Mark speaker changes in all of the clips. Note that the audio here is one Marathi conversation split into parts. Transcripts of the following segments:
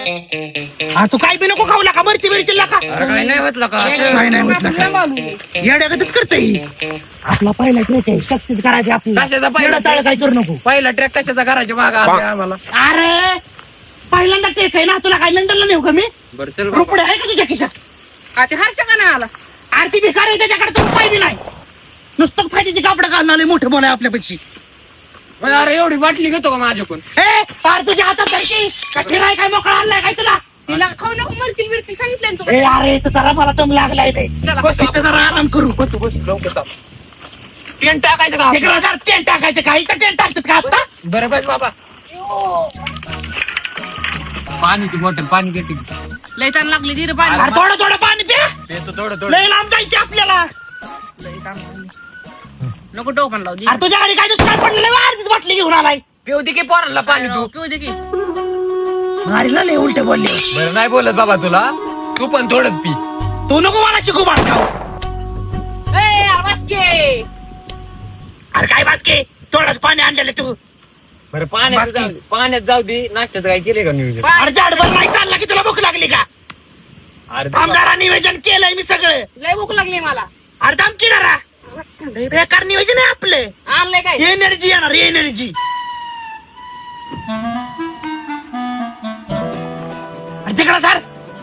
Speaker 1: तू काय बी नको खाऊ नका मरची बिरची का
Speaker 2: काय नाही होत का
Speaker 1: काय नाही होत येड्यागतच करते आपला पहिला ट्रेक आहे सक्सेस करायचे
Speaker 2: कशाचा
Speaker 1: आपल्याला
Speaker 2: पहिला
Speaker 1: टाळ काय करू नको
Speaker 2: पहिला ट्रॅक कशाचा करायच्या मागा आम्हाला
Speaker 1: अरे पहिल्यांदा ट्रेक आहे ना तुला काय लंडनला नेऊ का मी
Speaker 2: बरं चल
Speaker 1: रुपये आहे का तुझ्या खिशात
Speaker 3: ते हर्ष का नाही आला
Speaker 1: आरती भिकार आहे त्याच्याकडे तर रुपये बी नाही नुसतं फायद्याची कापडं घालून आले मोठे बोलाय आपल्यापेक्षा
Speaker 2: अरे एवढी बाटली घेतो का माझ्याकडून
Speaker 1: ए पार तुझ्या हातात धरकी कठी नाही काय मोकळा आणलाय काय तुला
Speaker 3: तिला खाऊ नको मरतील बिरतील सांगितलं ना
Speaker 1: ए अरे इथं जरा मला दम लागलाय रे
Speaker 3: चला,
Speaker 1: बस इथं जरा आराम करू बस बस लवकर
Speaker 2: टेंट टाकायचं का
Speaker 1: तिकडे जर टेंट टाकायचं काही तर टेंट टाकतात का आता
Speaker 2: बरं बस बाबा पाणी बॉटल पाणी घेते
Speaker 3: लय ताण लागली धीर पाणी
Speaker 1: अरे थोडं थोडं पाणी प्या
Speaker 2: येतो थोडं
Speaker 1: लय लांब जायचे आपल्याला
Speaker 3: नको डोकं लावू दे
Speaker 1: अरे तुझ्या गाडी काय दुष्काळ पडलेलं अर्धीच बाटली घेऊन आलाय
Speaker 2: पिऊ दे की पोराला पाणी तू
Speaker 3: पिऊ दे की
Speaker 1: मारीला लय उलटे बोलले
Speaker 2: बरं नाही बोलत बाबा तुला तू पण थोडंच पी
Speaker 1: तू नको मला शिकू खाऊ
Speaker 3: ए वासके
Speaker 1: अरे काय बासके थोडंच पाणी आणलेलं तू
Speaker 2: बरं पाण्यात जाऊ दे नाश्त्याचं काय केले का नियोजन
Speaker 1: अरे झाडभर नाही चालला की तुला भूक लागली का
Speaker 2: अरे
Speaker 1: आमदारा नियोजन केलंय मी सगळं
Speaker 3: लय भूक लागली मला
Speaker 1: अरे दाम किनारा बेकार नियोजन आहे आपलं
Speaker 3: आणलंय काय
Speaker 1: एनर्जी येणार एनर्जी तिकडं सर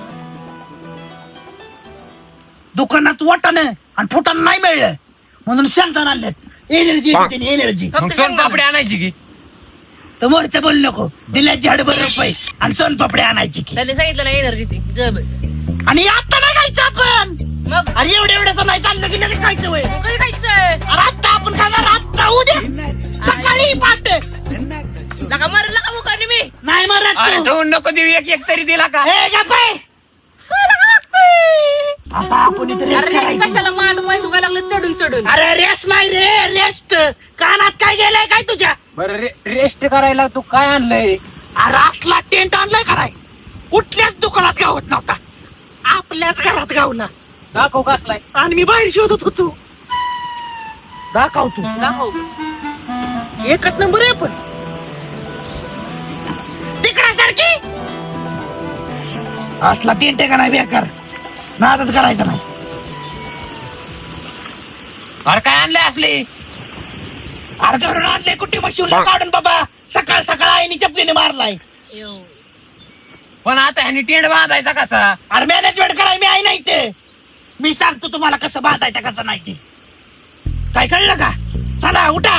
Speaker 1: दुकानात वाटाणं आणि फुटाणं नाही मिळलं म्हणून शेंगदाणा आणलेत एनर्जी एनर्जी
Speaker 2: मग सोनपापडी आणायची की
Speaker 1: तर मोरचं बोल नको दिल्या झाडभर रुपये आणि सोनपापडी आणायची की
Speaker 3: त्याने सांगितलं ना एनर्जी ती जब
Speaker 1: आणि आता नाही खायचं आपण
Speaker 3: मग
Speaker 1: अरे एवढं नाही चाललं की लगेच खायचं वय
Speaker 3: मग कधी खायचं
Speaker 1: अरे आत्ता आपण खाणार आत्ता उद्या सकाळी पाट
Speaker 3: लका मरला का मुकानी मी
Speaker 1: नाही मरत
Speaker 2: अरे
Speaker 1: तू.
Speaker 2: ठेवून नको देऊ एक तरी दिला का
Speaker 1: ए गप्प आहे. आता आपण इथे rest
Speaker 3: अरे
Speaker 1: करायची.
Speaker 3: कशाला मांड पैसे काय लागलं चढून चढून
Speaker 1: अरे रेस्ट नाही रे रेस्ट कानात काय गेलंय काय तुझ्या
Speaker 2: बरं रेस्ट करायला तू काय आणलंय
Speaker 1: अरे असला टेंट आणलाय काय कुठल्याच दुकानात गावत नव्हता आपल्याच घरात गावला
Speaker 2: दाखव कसलाय
Speaker 1: आणि मी बाहेर शोधत होतो दाखव तू
Speaker 3: दाखव
Speaker 1: एकच नंबर आहे पण तिकडा सारखी असला टेंट आहे का नाही बेकार नादच करायचं नाही
Speaker 2: अरे काय आणलंय असले
Speaker 1: अरे घरून आणले कुठे मशीनला काढून बाबा सकाळ सकाळ आईनी चपलीने मारलाय
Speaker 2: पण आता ह्यानी टेंट बांधायचा कसा
Speaker 1: अरे मॅनेजमेंट कराय मी आई नाही ते मी सांगतो तुम्हाला कसं बांधायचं कसं नाही ते काय कळलं का चला उठा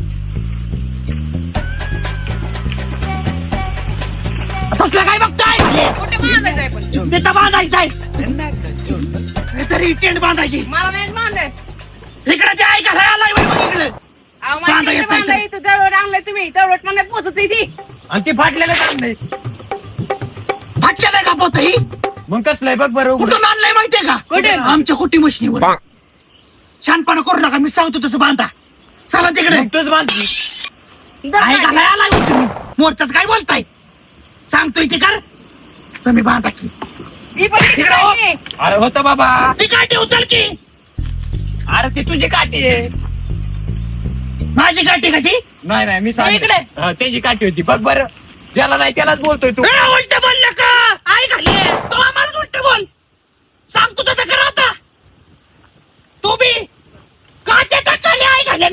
Speaker 1: तसलं काय बघताय
Speaker 3: कुठे बांधायचंय पण
Speaker 1: तिथं बांधायचंय तरी टेंट बांधायची
Speaker 3: मला नाही बांधायचं
Speaker 1: इकडे ते ऐकायला आलाय बाई बघ इकडे बांधा येत नाही तर.
Speaker 3: बांधायचं जवळ आणलंय तुम्ही जवळ मला पोचत ती
Speaker 2: आणि ते फाटलेलं आणलंय
Speaker 1: फाटलेलं का पोत ही
Speaker 2: मग कसलंय बघ बरं उघड.
Speaker 1: कुठून आणलंय माहितीये का
Speaker 3: कुठे?
Speaker 1: आमच्या कुटी मशनीवर शानपणा करू नका मी सांगतो तसं बांधा चला तिकडे
Speaker 2: मग तूच बांधली
Speaker 1: ऐकायला आलाय बघ तुम्ही मोर्चाच काय बोलताय सांगतोय ते कर तुम्ही बांधा की तिकडे हो.
Speaker 2: अरे होतं बाबा
Speaker 1: ती काठी उचल की
Speaker 2: अरे ती तुझी काठी आहे
Speaker 1: माझी काठी का ती
Speaker 2: नाही नाही मी
Speaker 3: इकडे.
Speaker 2: सांगितलं त्याची काठी होती बघ बरं ज्याला नाही त्यालाच बोलतोय तू
Speaker 1: उलट बोल का आई घाले तो आम्हाला उलट बोल सांगतो तसं करा आता तू बी काट्या टाकाले आई घाले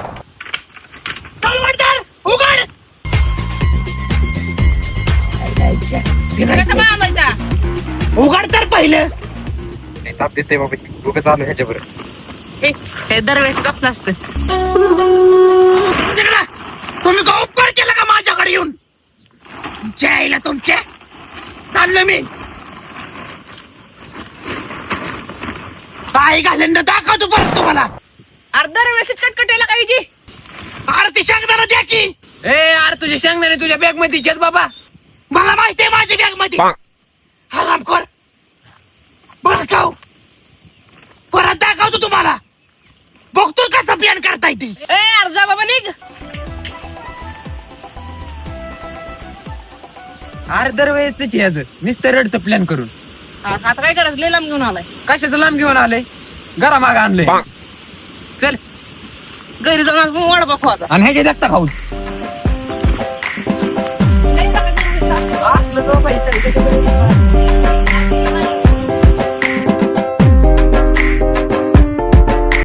Speaker 1: चल उघड
Speaker 3: कसं बांधायचा
Speaker 1: उघड तर पहिलं
Speaker 2: ताप देते बाबा उगाच आलो ह्याच्याबरोबर
Speaker 3: हे दरवेळेस कसलं असतं
Speaker 1: तिकडं. तुम्ही का उपकार केला का माझ्याकडे येऊन जायला तुमच्या चाललो मी काय घालेन दाखवतो परत तुम्हाला
Speaker 3: अरे दरवेळेस कटकटेला काय जी
Speaker 1: आरती सांगताना द्या की
Speaker 2: ए अरे तुझे सांगणार तुझ्या बॅग मध्ये इच्छाच बाबा
Speaker 1: मला माहितीये माझ्या बॅग मध्ये आराम कर बरं खाऊ परत दाखवतो तुम्हाला बघतो कसं प्लॅन करताय ती
Speaker 3: ए अर्जा बाबा निघ
Speaker 2: अरे दरवेळेच याच नुसतं रडतं प्लॅन करून
Speaker 3: आता काय करायचं लय लांब घेऊन आलाय
Speaker 2: कशाचं लांब घेऊन आलंय घरा माग आणलंय चल
Speaker 3: घरी जाऊन आज वडा पाव आता
Speaker 2: आणि ह्याच्या देखता खाऊ असलं तो पैसे
Speaker 3: ग.